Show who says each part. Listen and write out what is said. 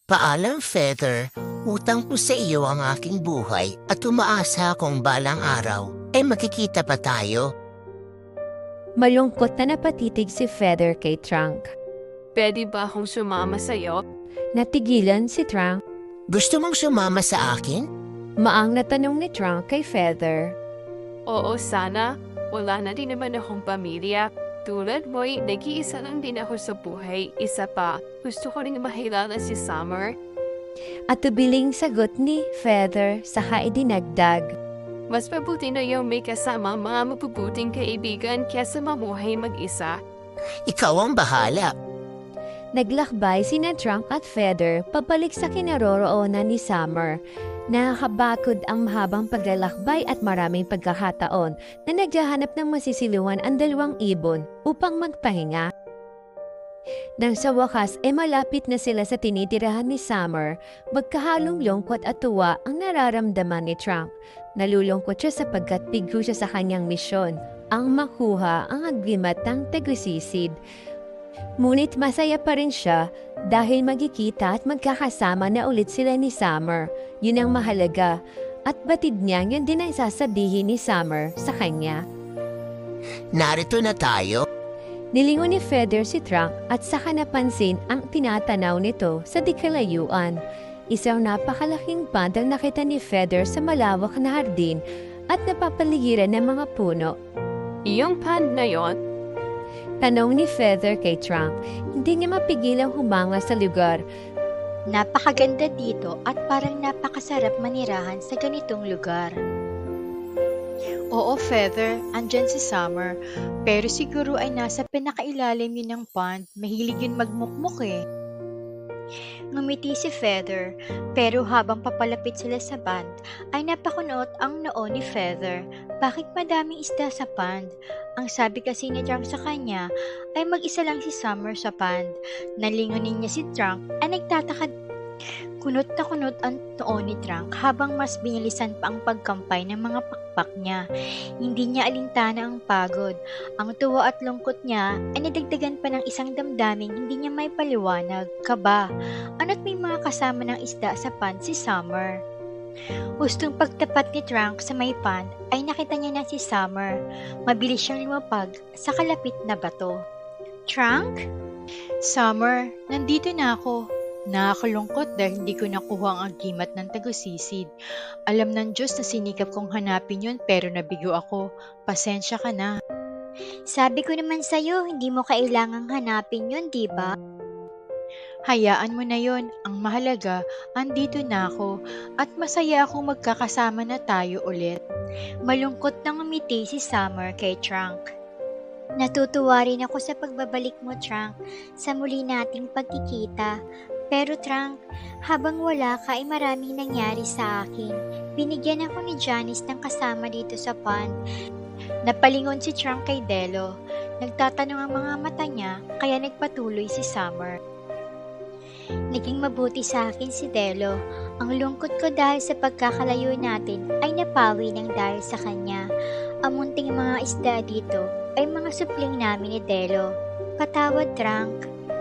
Speaker 1: Paalam, Feather. Utang ko sa iyo ang aking buhay at umaasa akong balang araw ay makikita pa tayo.
Speaker 2: Malungkot na napatitig si Feather kay Trunk.
Speaker 3: Pwede ba akong sumama sa'yo?
Speaker 2: Natigilan si Trunk.
Speaker 1: Gusto mong sumama sa akin?
Speaker 2: Maang na tanong ni Trunk kay Feather.
Speaker 3: Oo, sana. Wala na din naman akong pamilya. Tulad mo'y nag-iisa lang din ako sa buhay. Isa pa, gusto ko rin mahilala si Summer.
Speaker 2: At tubiling sagot ni Feather saka idinagdag.
Speaker 3: Mas mabuti na yung may kasama mga mabubuting kaibigan kaysa mamuhay mag-isa.
Speaker 1: Ikaw ang bahala.
Speaker 2: Naglakbay sina Trunk at Feather pabalik sa kinaroroonan ni Summer. Nakakabakod ang mahabang paglalakbay at maraming pagkakataon na naghahanap ng masisiliwan ang dalawang ibon upang magpahinga. Nang sa wakas malapit na sila sa tinitirahan ni Summer, magkahalong lungkot at tuwa ang nararamdaman ni Trunk. Nalulungkot siya sapagkat bigo siya sa kanyang misyon, ang makuha ang agreement ng tagusisid. Ngunit masaya pa rin siya dahil magkikita at magkakasama na ulit sila ni Summer. Yun ang mahalaga at batid niya yun din ang sasabihin ni Summer sa kanya.
Speaker 1: Narito na tayo.
Speaker 2: Nilingon ni Feather si Trunk at saka napansin ang tinatanaw nito sa di kalayuan. Isang napakalaking pond ang nakita ni Feather sa malawak na hardin at napapaligiran ng mga puno.
Speaker 3: Iyong pond na yon?
Speaker 2: Tanong ni Feather kay Trunk. Hindi niya mapigilang humanga sa lugar.
Speaker 4: Napakaganda dito at parang napakasarap manirahan sa ganitong lugar.
Speaker 5: Oo, Feather, andyan si Summer. Pero siguro ay nasa pinakailalim yun ng pond. Mahilig yun magmukmuk eh.
Speaker 4: Ngumiti si Feather, pero habang papalapit sila sa pond, ay napakunot ang noo ni Feather. Bakit madaming isda sa pond? Ang sabi kasi ni Trunk sa kanya ay mag-isa lang si Summer sa pond. Nalingunin niya si Trunk ay nagtataka. Kunot na kunot ang noo ni Trunk habang mas binilisan pa ang pagkampay ng mga pakpak niya. Hindi niya alintana ang pagod. Ang tuwa at lungkot niya ay nadagdagan pa ng isang damdaming hindi niya may paliwanag, kaba. Ano't may mga kasama ng isda sa pond si Summer. Hustong pagtapat ni Trunk sa may pond ay nakita niya na si Summer. Mabilis siyang lumapag sa kalapit na bato. Trunk?
Speaker 5: Summer, nandito na ako. Nakakalungkot dahil hindi ko nakuha ang agimat ng tagusisid. Alam ng Diyos na sinikap kong hanapin yun pero nabigo ako. Pasensya ka na.
Speaker 4: Sabi ko naman sa'yo, hindi mo kailangang hanapin yun, di ba?
Speaker 5: Hayaan mo na yon. Ang mahalaga, andito na ako at masaya akong magkakasama na tayo ulit.
Speaker 4: Malungkot nang umiti si Summer kay Trunk. Natutuwa rin ako sa pagbabalik mo, Trunk, sa muli nating pagkikita. Pero Trunk, habang wala ka ay maraming nangyari sa akin. Binigyan ako ni Janice ng kasama dito sa pond. Napalingon si Trunk kay Delo. Nagtatanong ang mga mata niya, kaya nagpatuloy si Summer. Naging mabuti sa akin si Delo. Ang lungkot ko dahil sa pagkakalayo natin ay napawi ng dahil sa kanya. Ang munting mga isda dito ay mga supling namin ni Delo. Patawad, Trunk.